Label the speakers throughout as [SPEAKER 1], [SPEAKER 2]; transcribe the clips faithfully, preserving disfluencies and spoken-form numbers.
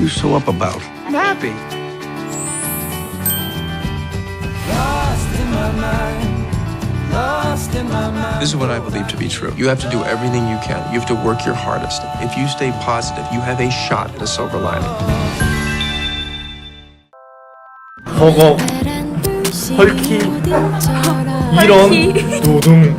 [SPEAKER 1] you so up about? I'm happy. This is what I believe to be true. You have to do everything you can. You have to work your hardest. If you stay positive, you have a shot at a silver lining.
[SPEAKER 2] 버거, 헐키, 이런, 도둥.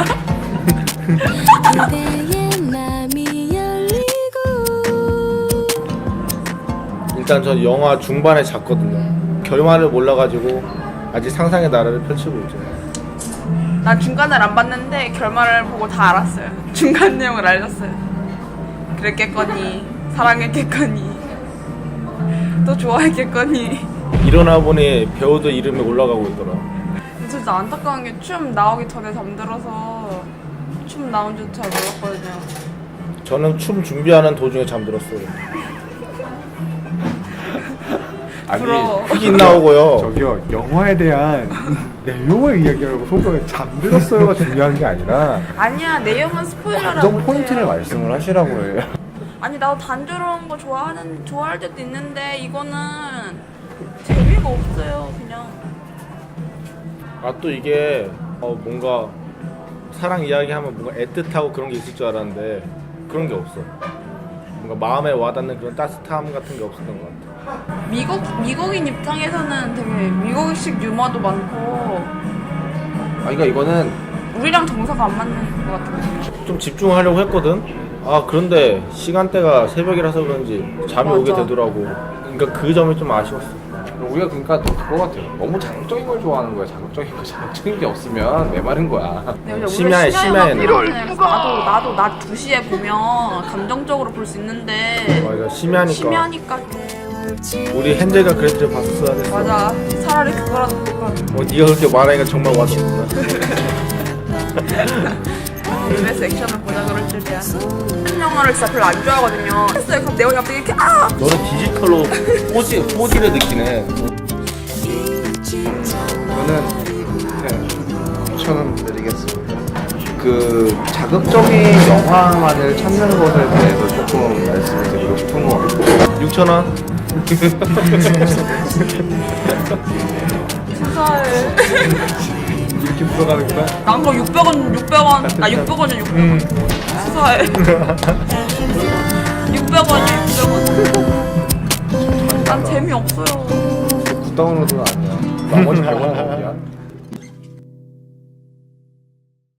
[SPEAKER 2] 일단 전 영화 중반에 잤거든요. 결말을 몰라가지고 아직 상상의 나라를 펼치고 있죠.
[SPEAKER 3] 난 중간을 안 봤는데 결말을 보고 다 알았어요. 중간 내용을 알렸어요. 그랬겠거니, 사랑했겠거니, 또 좋아했겠거니.
[SPEAKER 2] 일어나 보니 배우들 이름이 올라가고 있더라.
[SPEAKER 3] 진짜 안타까운 게 춤 나오기 전에 잠들어서 춤 나온 줄 잘 몰랐거든요.
[SPEAKER 2] 저는 춤 준비하는 도중에 잠들었어요.
[SPEAKER 3] 부러워.
[SPEAKER 2] 흑인 나오고요.
[SPEAKER 4] 저기요, 영화에 대한 내용을 이야기하고 소설에 잠들었어요가 중요한 게 아니라
[SPEAKER 3] 아니야, 내용은 스포일러라고.
[SPEAKER 4] 감정 포인트를 말씀을 하시라고 해요.
[SPEAKER 3] 아니, 나도 단조로운 거 좋아하는 좋아할 때도 있는데 이거는 재미가 없어요, 그냥.
[SPEAKER 2] 아 또 이게 어, 뭔가 사랑 이야기하면 뭔가 애틋하고 그런 게 있을 줄 알았는데 그런 게 없어. 뭔가 마음에 와닿는 그런 따뜻함 같은 게 없었던 것 같아.
[SPEAKER 3] 미국 미국인 입장에서는 되게 미국식 유머도 많고
[SPEAKER 4] 아, 그러니까 이거는
[SPEAKER 3] 우리랑 정서가 안 맞는 것 같아요.
[SPEAKER 2] 좀 집중하려고 했거든. 아 그런데 시간대가 새벽이라서 그런지 잠이
[SPEAKER 3] 맞아.
[SPEAKER 2] 오게 되더라고. 그러니까 그 점이 좀 아쉬웠어.
[SPEAKER 4] 우리가 그러니까 그거 같아요. 너무 자극적인 걸 좋아하는 거야. 자극적인 거 자극적인 게 없으면 메마른 거야.
[SPEAKER 2] 심야에, 심야에는.
[SPEAKER 3] 나도 나도 낮 두 시에 보면 감정적으로 볼 수 있는데
[SPEAKER 2] 맞아 심야니까.
[SPEAKER 3] 심야니까
[SPEAKER 2] 우리 헨젤과 그레텔 봤어야 됐어.
[SPEAKER 3] 맞아. 차라리 그거라도 볼 걸.
[SPEAKER 2] 어, 네가 그렇게 말하니까 정말 와닿구나.
[SPEAKER 3] 그래서 액션을 보자 그럴 줄이야. 한 영화를 진짜 별로 안 좋아하거든요. 했어요. 그럼 내용이 갑자기 이렇게 아!
[SPEAKER 2] 너는 디지털로 포지, 포디를 느끼네.
[SPEAKER 4] 저는 네, 추천 드리겠습니다. 그 자극적인 영화만을 찾는 것에 대해서 조금 말씀을 드리고 싶은 것 같고
[SPEAKER 2] 육천 원?
[SPEAKER 3] 수사해.
[SPEAKER 4] 이렇게 풀어가는구나.
[SPEAKER 3] 난 그럼 육백 원, 육백 원, 아 육백 원이야 육백 원. 수사해. 육백 원이야 육백 원. 난 재미없어요.
[SPEAKER 4] 굿다운로드는 아니야. 나머지 백 원 어디야?